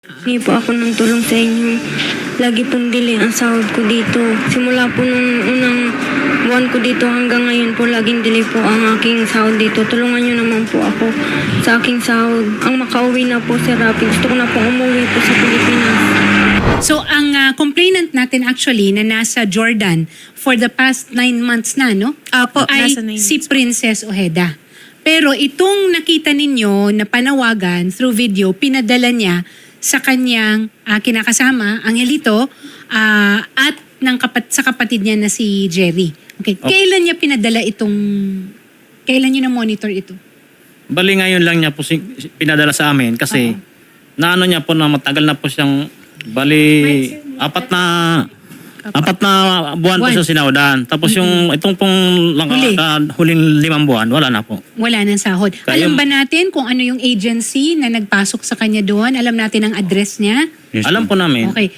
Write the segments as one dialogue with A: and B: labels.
A: Hindi po ako ng tulong sa inyo. Lagi pong delay ang sahod ko dito. Simula po nung unang buwan ko dito hanggang ngayon po, laging delay po ang aking sahod dito. Tulungan niyo naman po ako sa aking sahod. Ang makauwi na po, Sir Rafi. Gusto ko na po umuwi po sa Pilipinas.
B: So, ang complainant natin actually na nasa Jordan for the past 9 months na, no?
C: Apo,
B: ay
C: nasa 9
B: si Princess Ojeda. Pero itong nakita ninyo na panawagan through video, pinadala niya sa kanyang kinakasama, Angelito, at sa kapatid niya na si Jerry. Okay. Kailan niya pinadala kailan niyo na-monitor ito?
D: Bali ngayon lang niya po pinadala sa amin kasi naano niya po na matagal na po siyang apat na buwan po siya sinawdan. Tapos yung itong pong huling 5 buwan, wala na po.
B: Wala nang sahod. Alam ba natin kung ano yung agency na nagpasok sa kanya doon? Alam natin ang address niya?
D: Yes, alam po namin.
B: Okay.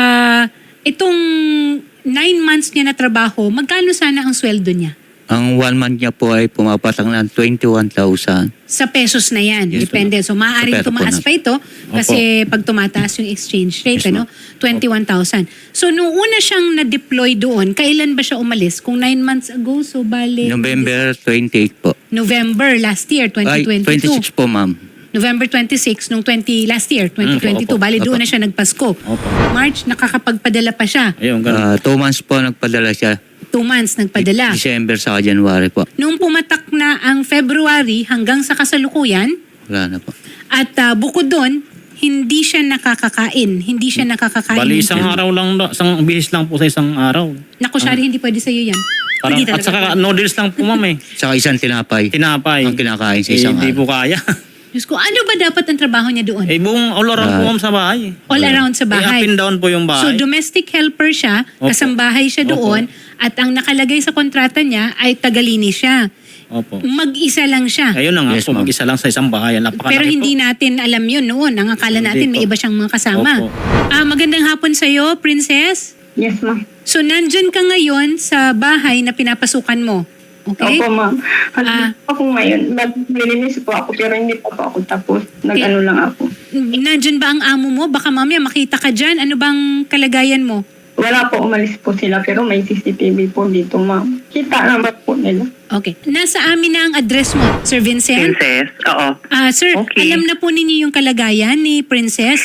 B: Itong 9 months niya na trabaho, magkano sana ang sweldo niya?
E: Ang 1 month niya po ay pumapatak ng 21,000.
B: Sa pesos na yan.
E: Yes,
B: Depende. So, maaaring
E: sa peso
B: tumaas
E: po
B: pa ito kasi pag tumataas yung exchange rate,
E: Yes,
B: ano? 21,000. So, nung una siyang na-deploy doon, kailan ba siya umalis? Kung 9 months ago, so bali...
E: November 28 po.
B: November last year, 2022.
E: Ay, 26 po, ma'am.
B: November 26 nung last year, 2022. Bali doon na siya nagpasko. March, nakakapagpadala pa siya.
D: Ayun, ganun.
E: 2 months po nagpadala siya.
B: 2 months nagpadala.
E: December sa January po.
B: Nung pumatak na ang February hanggang sa kasalukuyan,
E: Wala na po.
B: at bukod doon, hindi siya nakakakain. Hindi siya nakakakain.
D: Bali isang araw lang, isang bihis lang po sa isang araw.
B: Naku, Shari, hindi pwede sa'yo yan.
D: Parang,
B: Hindi
D: at
B: talaga.
D: saka noodles lang po, ma'am eh.
E: Saka isang tinapay.
D: Tinapay.
E: Ang kinakain sa isang
D: Hindi
E: araw.
D: po kaya.
B: Diyos ko, ano ba dapat ang trabaho niya doon?
D: buong all around po, ma'am, sa bahay.
B: All around sa bahay.
D: Up and down po yung
B: So,
D: bahay.
B: domestic helper siya,
D: Opo.
B: kasambahay siya doon, at ang nakalagay sa kontrata niya ay tagalinis siya.
D: Opo.
B: Mag-isa lang siya.
D: Ayun na nga
E: Yes,
D: po,
E: ma'am.
D: mag-isa lang sa isang bahay. Napakalaki
B: Pero hindi
D: po.
B: natin alam yun noon. Ang akala natin
D: Hindi
B: may
D: po.
B: iba siyang mga kasama.
D: Opo.
B: Magandang hapon sa'yo, Princess.
A: Yes, ma'am.
B: So, nandyan ka ngayon sa bahay na pinapasukan mo. Okay?
F: Opo, ma'am. Ako ngayon, maglilinis po ako pero hindi pa po ako tapos. Nag-ano lang ako.
B: Nandyan ba ang amo mo? Baka mamaya makita ka dyan. Ano bang kalagayan mo?
F: Wala po, umalis po sila pero may CCTV po dito, ma'am. Kita naman po nila.
B: Okay. Nasa amin na ang address mo, Sir Vincent.
G: Princess, oo.
B: Sir,
G: Okay.
B: alam na po ninyo yung kalagayan ni Princess.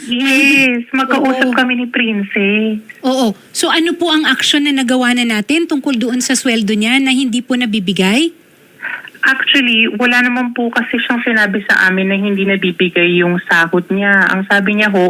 G: Yes, magkausap
B: Oo.
G: kami ni Princess.
B: Oo. So ano po ang action na nagawa na natin tungkol doon sa sweldo niya na hindi po nabibigay?
G: Actually, wala naman po kasi siyang sinabi sa amin na hindi nabibigay yung sahod niya. Ang sabi niya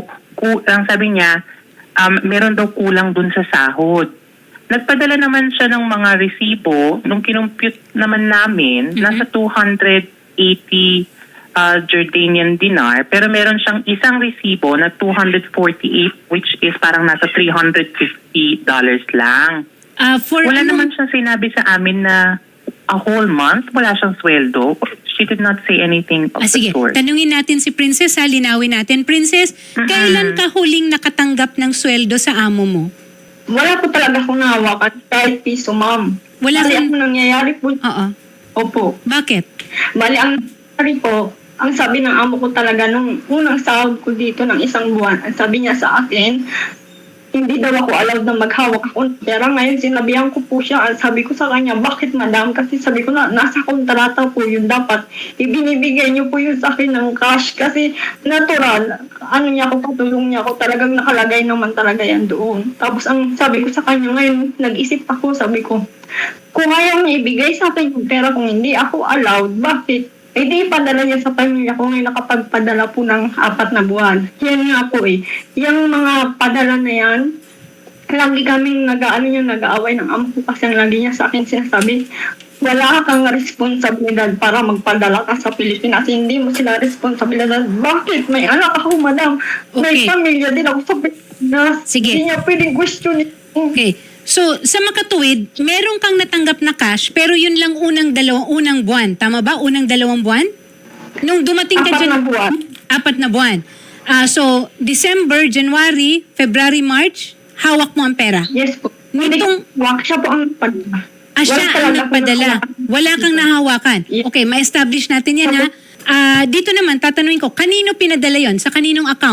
G: meron daw kulang dun sa sahod. Nagpadala naman siya ng mga resibo. Nung kinumpute naman namin, nasa 280 Jordanian dinar. Pero meron siyang isang resibo na 248 which is parang nasa $350 lang. Wala naman siyang sinabi sa amin na a whole month, wala siyang sweldo. She did not say anything of the
B: Sige,
G: sort.
B: tanungin natin si Princess, linawin natin. Princess, kailan ka huling nakatanggap ng sweldo sa amo mo?
F: Wala po talaga akong nahawakan kahit piso, ma'am.
B: Wala
F: Kasi
B: kang-
F: ang nangyayari po,
B: Oo.
F: opo.
B: Bakit?
F: Bali, ang nangyayari po, ang sabi ng amo ko talaga nung unang sahod ko dito ng 1 buwan, ang sabi niya sa akin, hindi daw ako allowed na maghawak ako ng pera. Ngayon, sinabihan ko po siya. Sabi ko sa kanya, bakit madam? Kasi sabi ko na, nasa kontrata po yun. Dapat ibinibigay niyo po yun sa akin ng cash. Kasi natural, patulong niya ako. Talagang nakalagay naman talaga yan doon. Tapos ang sabi ko sa kanya ngayon, nag-isip ako, sabi ko, kung ayaw niya ibigay sa akin yung pera, kung hindi ako allowed, bakit? Eh di padala niya sa pamilya ko ngayon nakapagpadala po ng 4 na buwan. Yan nga po eh. Yung mga padala na yan, lagi kaming nag-aaway ng amo ko kasi ang lagi niya sa akin sinasabi, wala kang responsibilidad para magpadala ka sa Pilipinas. Hindi mo sila responsibilidad. Bakit? May anak ako, madam. May
B: Okay.
F: pamilya din ako sa Pilipinas.
B: Sige.
F: Hindi niya pwedeng question.
B: Okay. So, sa makatuwid, meron kang natanggap na cash, pero yun lang unang buwan. Tama ba? Unang 2 buwan? Nung dumating ka
F: 4
B: dyan...
F: na buwan.
B: 4 na buwan. So, December, January, February, March, hawak mo ang pera.
F: Yes po.
B: Nitong-
F: Siya po ang padala.
B: Siya
F: Wala
B: ang
F: talaga
B: nagpadala.
F: akong
B: Wala kang nahawakan.
F: Yes.
B: Okay, ma-establish natin yan ha. Dito naman, tatanungin ko, kanino pinadala yon? Sa kaninong account?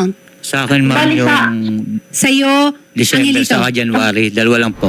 E: Sa akin, ma'am,
F: Bali sa-
E: yung
B: Sa'yo,
E: December
B: Angelito.
E: sa January, dalawa lang po.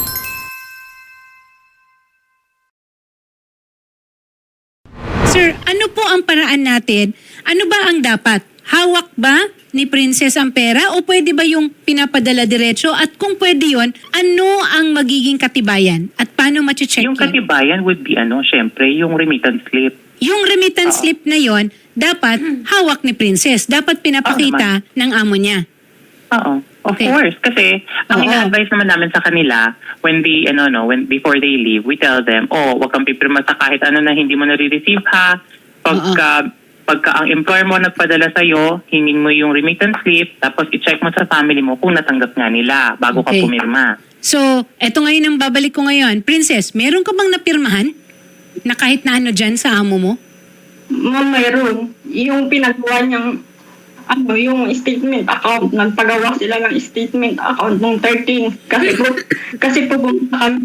B: Sir, ano po ang paraan natin? Ano ba ang dapat? Hawak ba ni Princess ang pera o pwede ba yung pinapadala diretso? At kung pwede yon, ano ang magiging katibayan? At paano mache-check
G: Yung
B: yun?
G: katibayan would be syempre, yung remittance slip.
B: Yung remittance slip na yon, dapat hawak ni Princess. Dapat pinapakita ng amo niya.
G: Oo. Of
B: Okay.
G: course. Kasi, ang
B: Oo.
G: ina-advise naman namin sa kanila, when they, before they leave, we tell them, wag kang pipirma sa kahit ano na hindi mo nare-receive ha. Pagka ang employer mo nagpadala sa'yo, hingin mo yung remittance slip, tapos i-check mo sa family mo kung natanggap nga nila bago
B: Okay.
G: ka pumirma.
B: So, eto ngayon ang babalik ko ngayon. Princess, meron ka bang napirmahan na kahit na ano dyan sa amo mo?
F: Ma'am, mayroon. Yung pinagawa niyang yung statement account, nagpagawa sila ng statement account nung 13. Kasi po pumunta kami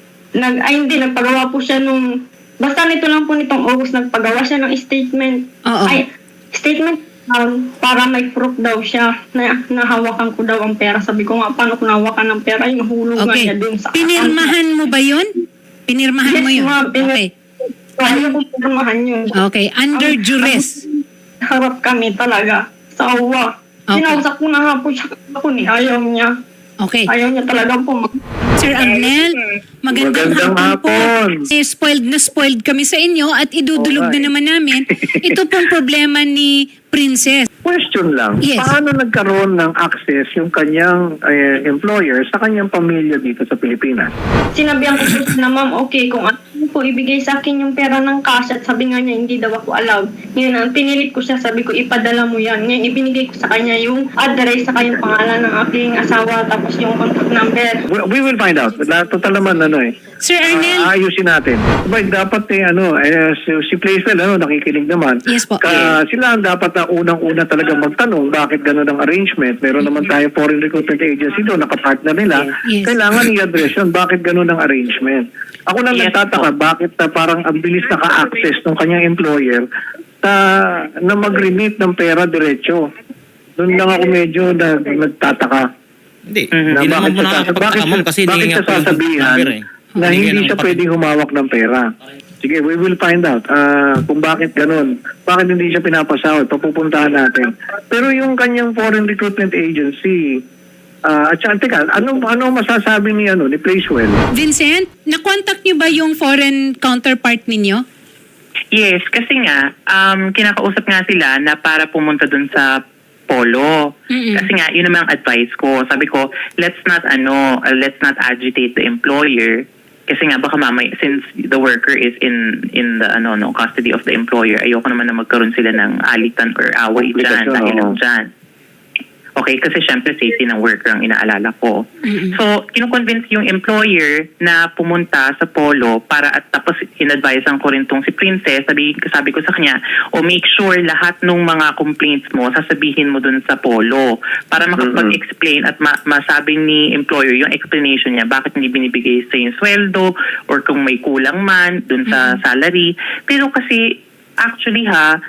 F: nagpagawa po siya nung, basta nito lang po nitong August, nagpagawa siya ng statement.
B: Oo.
F: Statement para may proof daw siya na nahawakan ko daw ang pera. Sabi ko nga, paano ko nahawakan ng pera? Yung hulugan
B: Okay.
F: niya dun sa
B: Pinirmahan mo ba yun? Pinirmahan mo yun?
F: ma'am,
B: Okay.
F: Ayaw ko pirmahan yun.
B: Okay. Under duress.
F: Harap kami talaga. Sa uwa.
B: Okay.
F: Sinausap ko na nga po siya ako ni ayaw niya.
B: Okay.
F: Ayaw niya talagang
B: Sir Arnel, magandang hapon po. Spoiled na spoiled kami sa inyo at idudulog na naman namin. Ito pong problema ni Princess.
C: Question lang,
B: Yes.
C: paano nagkaroon ng access yung kanyang employer sa kanyang pamilya dito sa Pilipinas?
F: Sinabihan ko po na ma'am, okay, kung ano po ibigay sa akin yung pera ng cash at sabi nga niya hindi daw ako allowed. Ngayon, ang pinilit ko siya, sabi ko ipadala mo yan. Ngayon, ibinigay ko sa kanya yung address saka yung pangalan ng aking asawa tapos yung contact number.
C: We will find out. Total naman
B: Sir Arnel,
C: ayusin natin. Dapat si Plaisel nakikinig naman.
B: Yes po.
C: Sila ang dapat na unang-una talaga magtanong bakit gano'n ang arrangement. Meron naman tayo foreign recruitment agency doon, nakapartner nila.
B: Yes.
C: Kailangan i-address yun. Bakit gano'n ang arrangement? Ako lang
G: Yes,
C: nagtataka, bakit parang ang bilis naka-access ng kanyang employer na mag-remit ng pera diretso. Doon lang ako medyo nagtataka.
D: Hindi.
G: Mhm.
D: Hindi naman po
C: Bakit
D: nakakapagtakamon kasi
C: bakit
D: hindi nga
C: siya
D: po yung
C: sasabihan
D: number eh.
C: na hindi siya pwedeng humawak ng pera? Sige, we will find out kung bakit ganun. Bakit hindi siya pinapasahod? Papupuntahan natin. Pero yung kanyang foreign recruitment agency, at saka, teka, ano masasabi ni Placewell?
B: Vincent, na-contact niyo ba yung foreign counterpart ninyo?
G: Yes, kasi nga, kinakausap nga sila na para pumunta dun sa Polo.
B: Mm-mm.
G: Kasi nga, yun naman ang advice ko. Sabi ko, let's not agitate the employer. Kasi nga, baka mamay, since the worker is in the custody of the employer, ayoko naman na magkaroon sila ng alitan or away dyan, dahil lang dyan. Okay, kasi syempre safety ng worker ang inaalala ko.
B: Mm-mm.
G: So, kinukonvince yung employer na pumunta sa Polo para at tapos in-advisean ko rin tong si Princess. Sabi ko sa kanya, make sure lahat ng mga complaints mo, sasabihin mo dun sa Polo para makapag-explain at masabi ni employer yung explanation niya bakit hindi binibigay sa yung sweldo or kung may kulang man dun sa salary. Pero kasi, actually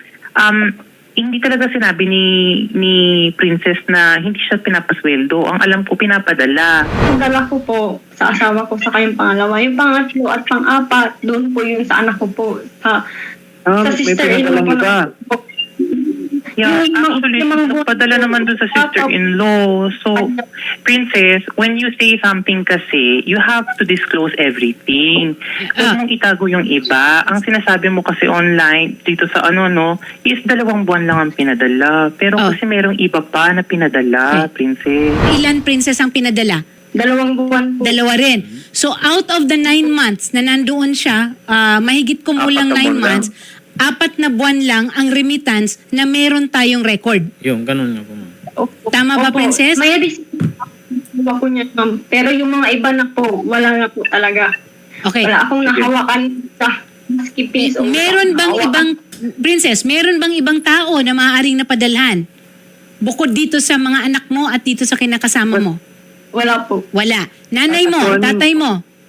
G: hindi talaga sinabi ni Princess na hindi siya pinapasweldo. Ang alam ko, pinapadala.
F: Ang dala ko po sa asawa ko sa kayong pangalawa. Yung pangatlo at pang-apat, doon po yung sa anak ko po. Sa
C: May
F: sister-in-law
C: pinadalang
F: ko
C: iba.
F: po.
G: Yeah,
F: Yung
G: actually,
F: mga-
G: nagpadala naman dun sa sister-in-law. So, Princess, when you say something kasi, you have to disclose everything. Huwag mong itago yung iba. Ang sinasabi mo kasi online, dito sa is 2 buwan lang ang pinadala. Pero kasi merong iba pa na pinadala, Princess.
B: Ilan Princess ang pinadala?
F: 2 buwan po.
B: 2 rin. So out of the 9 months na nandoon siya, mahigit kumulang 9 months, 4 na buwan lang ang remittance na meron tayong record.
D: Yung ganun nga po, ma'am.
F: Opo.
B: Tama ba,
F: Opo.
B: Princess?
F: May receipt po niya, ma'am. Pero yung mga iba na po, wala na po talaga.
B: Okay.
F: Wala akong nahawakan sa maski piso.
B: Meron bang ibang, Princess, meron bang ibang tao na maaaring napadalhan? Bukod dito sa mga anak mo at dito sa kinakasama mo?
F: Wala po.
B: Wala. Nanay mo,
C: Attorney-
B: tatay mo,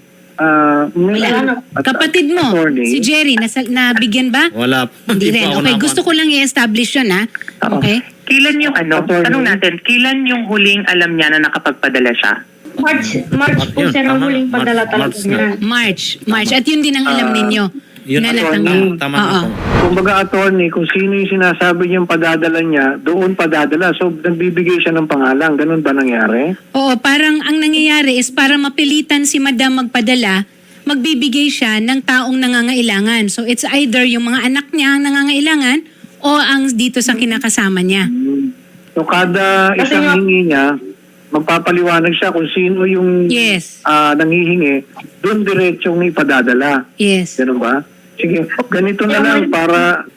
F: Wala.
B: kapatid mo,
C: Attorney.
B: si Jerry, nabigyan ba?
D: Wala po.
B: Hindi rin.
D: po ako
B: Okay,
D: naman.
B: gusto ko lang i-establish yun, ha? Okay?
G: Kailan yung tanong natin, kailan yung huling alam niya na nakapagpadala siya?
F: March po,
D: Yun,
F: sir, ang
D: tama.
F: huling padala
D: March
F: talaga niya.
B: March. At yun din ang alam ninyo.
D: Yun
B: na
D: ang
B: natanggap.
D: tama
B: Oo.
D: na po.
C: Kumbaga, attorney, kung sino yung sinasabi niyang padadala niya, doon padadala. So, nagbibigay siya ng pangalan. Ganun ba nangyari?
B: Oo, parang ang nangyayari is para mapilitan si Madam magpadala, magbibigay siya ng taong nangangailangan. So it's either yung mga anak niya ang nangangailangan o ang dito sa kinakasama niya.
C: So, kada
F: Kasi
C: isang
F: nga-
C: hingi niya, magpapaliwanag siya kung sino yung
B: Yes.
C: nanghihingi, doon diretsong ipadadala.
B: Yes.
C: Ganun ba? Sige, ganito na lang para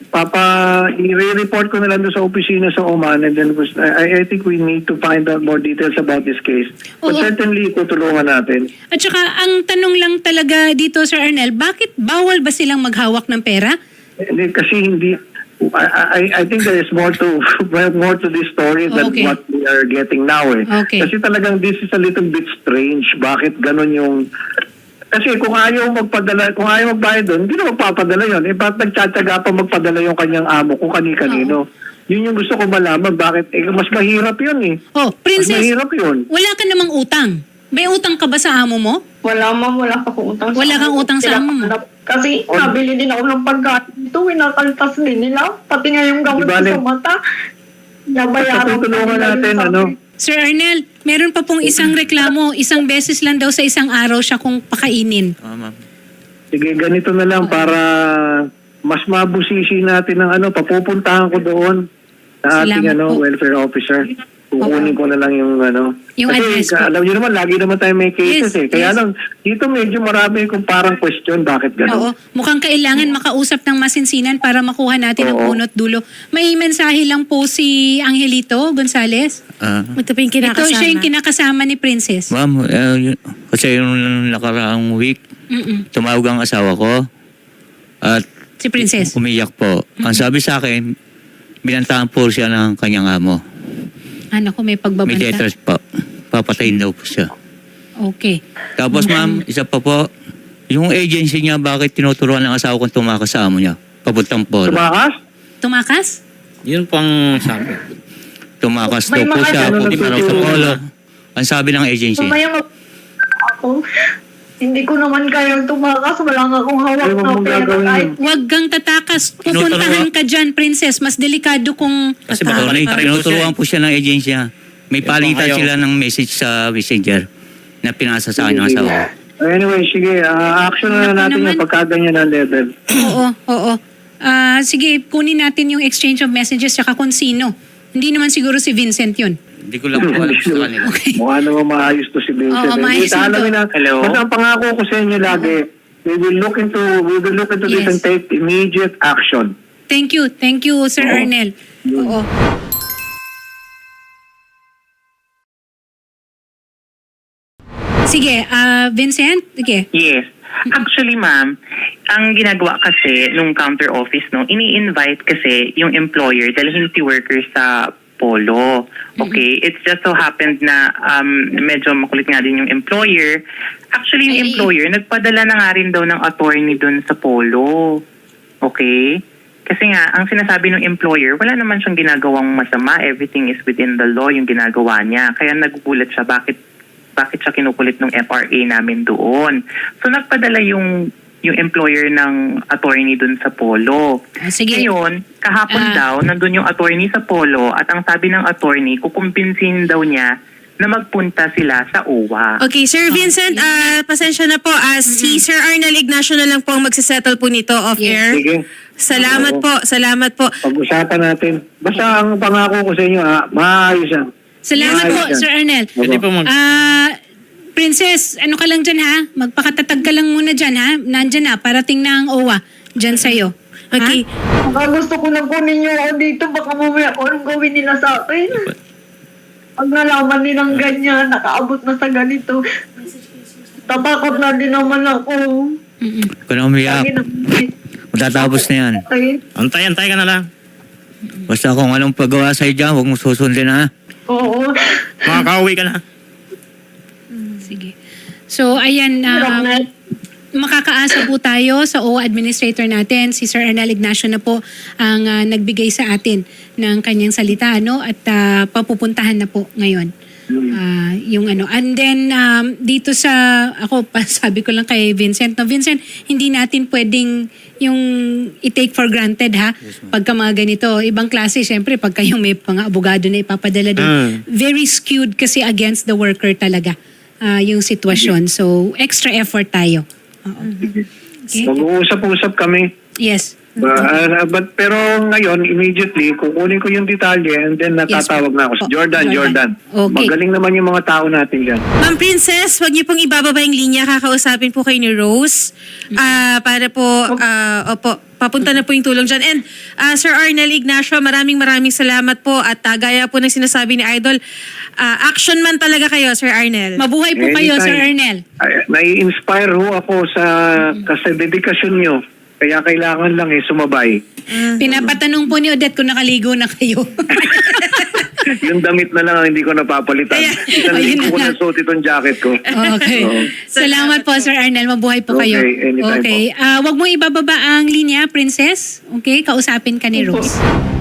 C: i-report ko na lang doon sa opisina sa Oman, and then I think we need to find out more details about this case. But
B: Oo.
C: certainly, tutulungan natin.
B: At saka ang tanong lang talaga dito, Sir Arnel, bakit bawal ba silang maghawak ng pera?
C: Hindi, kasi hindi, I think there is more to this story than
B: Okay.
C: what we are getting now.
B: Okay.
C: Kasi talagang this is a little bit strange. Bakit ganun yung... Kasi kung ayaw magpadala, kung ayaw magbayad doon, hindi na magpapadala yun. Ba't nagtsatsaga pa magpadala yung kanyang amo kung kani-kanino? Yun yung gusto ko malaman. Bakit? Mas mahirap yun eh.
B: Oh,
C: Mas
B: Princess,
C: mahirap yun.
B: wala ka namang utang. May utang ka ba sa amo mo?
F: Wala, ma'am, wala pa akong utang.
B: Wala kang utang sa amo mo?
F: Kasi nabili din ako ng pagkain dito, winakaltas din nila. Pati nga yung gamot
C: Di
F: ko
C: bale.
F: sa mata. Nabayaran ko
C: Tutulungan
F: nila
C: natin,
F: yung
C: ano?
F: sabi.
B: Sir Arnel, meron pa pong isang reklamo. Isang beses lang daw sa isang araw siya kung pakainin.
E: Ma'am.
C: Sige, ganito na lang para mas mabusisi natin ng papupuntahan ko doon sa ating
B: Salamat po.
C: welfare officer. Kukunin ko na lang yung
B: Yung address
C: Kasi
B: po.
C: alam niyo naman, lagi naman tayo may cases
B: Yes,
C: Kaya
B: yes.
C: lang, dito medyo marami kung parang question, bakit
B: Oo.
C: gano'n?
B: Mukhang kailangan makausap ng masinsinan para makuha natin ang
C: Oo.
B: punot dulo. May mensahe lang po si Angelito Gonzales.
H: Ito pa yung
B: Ito siya yung kinakasama ni Princess.
E: Ma'am, kasi yung nakaraang week,
B: Mm-mm.
E: tumawag ang asawa ko at
B: Si Princess.
E: umiyak po. Ang sabi sa akin, binantaan po siya ng kanyang amo.
B: Ano ko may
E: May
B: pagbabanta?
E: letters po. Papatayin daw po siya.
B: Okay.
E: Tapos ma'am, isa pa po, yung agency niya, bakit tinuturuan ng asawa kong tumakas sa amo niya? Papuntang polo.
C: Tumakas?
B: Tumakas?
D: Yun po ang sabi.
E: Tumakas daw
F: May
E: po
F: mga
E: siya,
C: ganun
E: pupunta raw sa
C: nagtuturo.
E: polo. Ang sabi ng agency.
F: Mamaya ako, hindi ko naman kayang tumakas. Wala nga akong hawak
C: Ay, wag
F: na
C: mong
F: pera.
C: gagawin
F: Kahit
B: Huwag kang tatakas. Pupuntahan ka dyan, Princess. Mas delikado kung...
D: Kasi baka
E: Attorney,
D: balik
E: tinuturuan po siya ng agency niya. May
D: Yung
E: palitan
D: pangayaw.
E: sila ng message sa messenger na pinasa sa akin ng asawa ko.
C: Anyway, sige, action na
B: Naku
C: natin
B: naman.
C: yung pagkaganyan ng level.
B: Oo. Sige, kunin natin yung exchange of messages saka kung sino. Hindi naman siguro si Vincent yun.
E: Hindi ko lang po alam sa kanila.
C: Mukha naman maayos to si Vincent.
B: Oo, maayos
C: Hindi,
B: ito.
G: Hello?
C: Basta ang pangako ko sa inyo lagi, we will look into this
B: Yes.
C: and take immediate action.
B: Thank you, Sir Arnel. Oo. Sige, Vincent, sige.
G: Yes. Actually, ma'am, ang ginagawa kasi nung counter office, ini-invite kasi yung employer dalhin si workers sa polo. Okay? It just so happened na medyo makulit nga din yung employer. Actually, yung employer, nagpadala na nga rin daw ng attorney dun sa polo. Okay? Kasi nga, ang sinasabi ng employer, wala naman siyang ginagawang masama. Everything is within the law yung ginagawa niya. Kaya nagugulat siya, bakit siya kinukulit ng FRA namin doon. So nagpadala yung employer ng attorney doon sa polo.
B: Sige.
G: Ngayon, kahapon daw, nandun yung attorney sa polo at ang sabi ng attorney, kukumpinsin daw niya na magpunta sila sa OWA.
H: Okay, Sir Vincent, pasensya na po. Si Sir Arnel Ignacio na lang po ang magsisettle po nito off-air.
C: Sige.
H: Salamat po.
C: Pag-usapan natin. Basta ang pangako ko sa inyo, maayos yan.
B: Salamat po,
C: Ayos yan.
B: Sir Arnel.
D: Pwede po
B: Princess, ano ka lang dyan ha? Magpakatatag ka lang muna dyan ha? Nandyan na, parating na ang OWA dyan sa'yo.
H: Okay.
F: baka gusto ko na kunin niyo ako dito. Baka mamaya kung anong gawin nila sa akin. Pag nalaman nilang ganyan, nakaabot na sa ganito. Tatakot na din naman ako.
E: Huwag ka na umiyak. Matatapos na yan.
D: Antay ka na lang.
E: Basta kung anong paggawa sa'yo dyan, huwag mo susundin ha.
F: Oo.
D: Makakauwi ka na.
B: Sige. So, ayan,
F: Hirap na.
B: makakaasa po tayo sa OWA administrator natin, si Sir Arnel Ignacio na po ang nagbigay sa atin ng kanyang salita, no? At papupuntahan na po ngayon. Yung ano. And then, dito sa, sabi ko lang kay Vincent, no, Vincent, hindi natin pwedeng yung i-take for granted, ha? Pagka mga ganito, ibang klase, syempre, pagka yung may mga abogado na ipapadala din, very skewed kasi against the worker talaga yung sitwasyon. So, extra effort tayo. Oo. Okay.
C: Mag-uusap-usap kami.
B: Yes.
C: But pero ngayon, immediately, kukunin ko yung detalye and then natatawag na ako.
B: po.
C: Jordan.
B: Okay.
C: Magaling naman yung mga tao natin dyan.
H: Ma'am Princess, wag niyo pong ibababa yung linya. Kakausapin po kayo ni Rose. Para po, papunta na po yung tulong dyan. And Sir Arnel Ignacio, maraming salamat po. At gaya po ng sinasabi ni Idol, action man talaga kayo, Sir Arnel.
B: Mabuhay po kayo,
C: Anytime.
B: Sir Arnel.
C: Nai-inspire ho ako kasi dedikasyon nyo. Kaya kailangan lang sumabay.
B: Pinapatanong po ni Odette kung nakaligo na kayo.
C: Yung damit na lang ang hindi ko napapalitan. Isang
B: Ayun
C: linggo ko
B: na.
C: na suot itong jacket ko.
B: Okay.
C: Oo.
B: Salamat po, Sir Arnel. Mabuhay po kayo.
C: Okay, anytime
B: Okay. Wag mo ibababa ang linya, Princess. Okay? Kausapin ka ni Rose.